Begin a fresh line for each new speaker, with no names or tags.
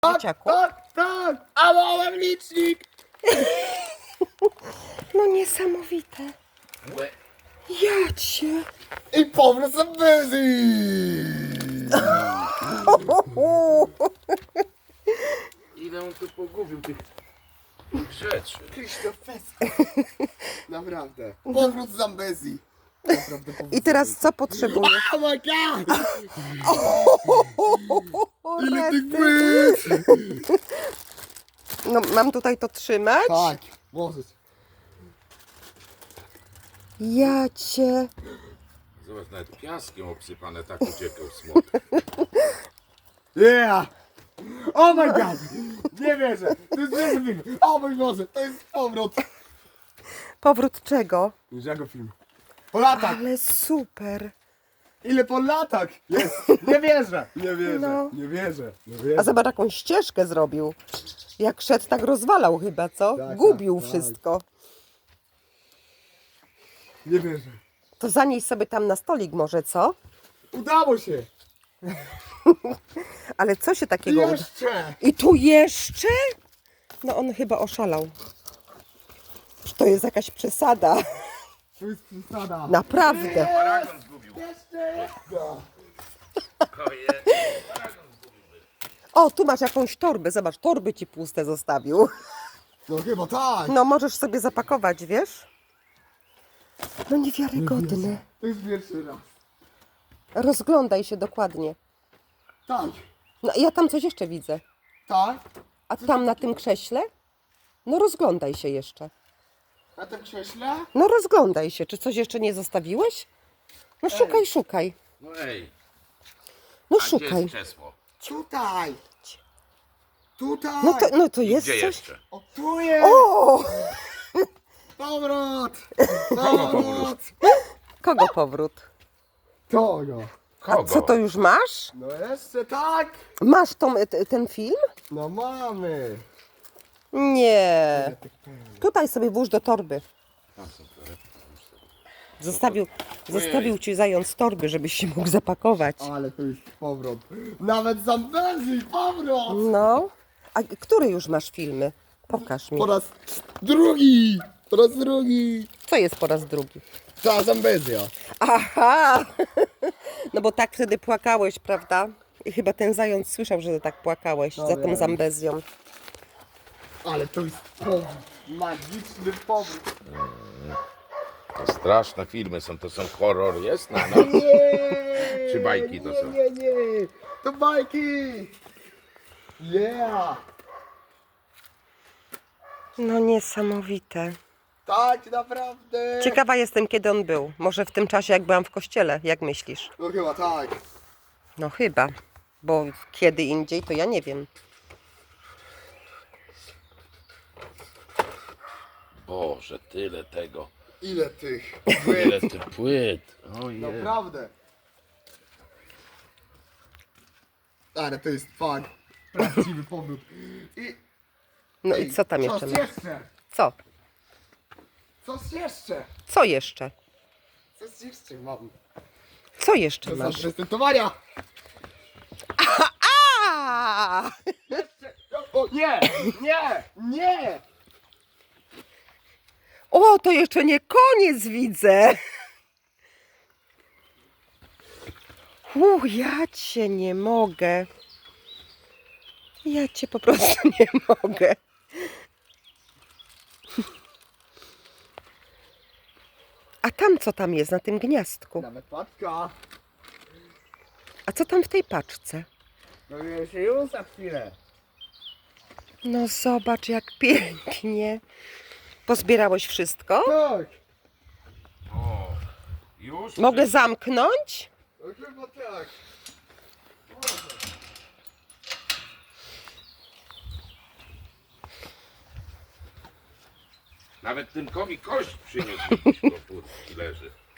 Dzieciaku?
Tak! A małem licznik!
No niesamowite. Ja cię.
I powrót z Bezi!
Ile on tu pogubił tych rzeczy?
Krzysztof Feska. Naprawdę. Powrót z Zambezji. Naprawdę powrót
I teraz
z
co potrzebujesz?
Zambezji. Oh my god!
O,
Ile tych
rety.
płyt!
No mam tutaj to trzymać?
Tak, możesz.
Ja cię.
Zobacz, nawet piaskiem obsypane, tak uciekał smok.
Yeah! Oh my god! Nie wierzę! To jest niezły film! O mój Boże! To jest powrót!
Powrót czego?
Już jakiego film? Po latach!
Ale super.
Ile po latach jest? Nie wierzę! Nie wierzę!
No.
Nie wierzę! Nie
A
wierzę!
zobacz jaką ścieżkę zrobił. Jak szedł, tak rozwalał chyba, co?
Tak,
Gubił
tak.
wszystko.
Nie wierzę!
To zanieś sobie tam na stolik może, co?
Udało się!
Ale co się
I
takiego uda?
jeszcze!
I tu jeszcze? No on chyba oszalał. To jest jakaś przesada.
To jest przesada!
Naprawdę.
Paragon zgubił.
Jeszcze! No.
O, tu masz jakąś torbę. Zobacz, torby ci puste zostawił.
No chyba tak!
No możesz sobie zapakować, wiesz? No niewiarygodne.
To jest pierwszy raz.
Rozglądaj się dokładnie.
Tak!
No ja tam coś jeszcze widzę.
Tak!
A tam na tym krześle? No rozglądaj się jeszcze.
Na tym krześle?
No rozglądaj się. Czy coś jeszcze nie zostawiłeś? No szukaj, szukaj.
No ej,
No
a gdzie
szukaj.
jest krzesło?
Tutaj! Tutaj!
No to
I
jest
gdzie
coś.
jeszcze?
O, tu jest!
O!
Powrót!
powrót?
Kogo powrót?
Kogo?
A
Kogo?
co to już masz?
No jeszcze tak!
Masz ten film?
No mamy!
Nie. Tutaj sobie włóż do torby. Zostawił ci zając torby, żebyś się mógł zapakować.
Ale to jest powrót. Nawet Zambezji powrót!
No. A który już masz filmy? Pokaż mi.
Po raz drugi! Po raz drugi!
Co jest po raz drugi?
Ta Zambezja.
Aha! No bo tak wtedy płakałeś, prawda? I chyba ten zając słyszał, że tak płakałeś
No
za tą
wiem.
Zambezją.
Ale to jest powrót. Magiczny powrót.
To straszne filmy są, to są horror, jest na noc.
Nie!
Czy bajki to są?
Nie! To bajki! Yeah!
No niesamowite.
Tak, naprawdę!
Ciekawa jestem, kiedy on był. Może w tym czasie, jak byłam w kościele. Jak myślisz?
No chyba tak.
No chyba. Bo kiedy indziej, to ja nie wiem.
Boże, tyle tego.
Ile tych
Ile
płyt?
tych płyt. Ojej.
Naprawdę. Ale to jest fakt. Prawdziwy powrót. I
No i co tam jeszcze
coś
masz?
jeszcze?
Co?
Coś jeszcze?
Co jeszcze?
Coś jeszcze mam.
Co jeszcze
To są
masz?
prezentowania.
A!
O nie! Nie! Nie!
O, to jeszcze nie koniec widzę. Ja cię nie mogę. Ja cię po prostu nie mogę. A tam co tam jest na tym gniazdku?
Nawet paczka.
A co tam w tej paczce?
Dowiemy się już za chwilę.
No zobacz jak pięknie. Pozbierałeś wszystko?
Tak.
O, już?
Mogę zamknąć?
No chyba tak.
Nawet Tymkowi kość przyniósł do furtki leży.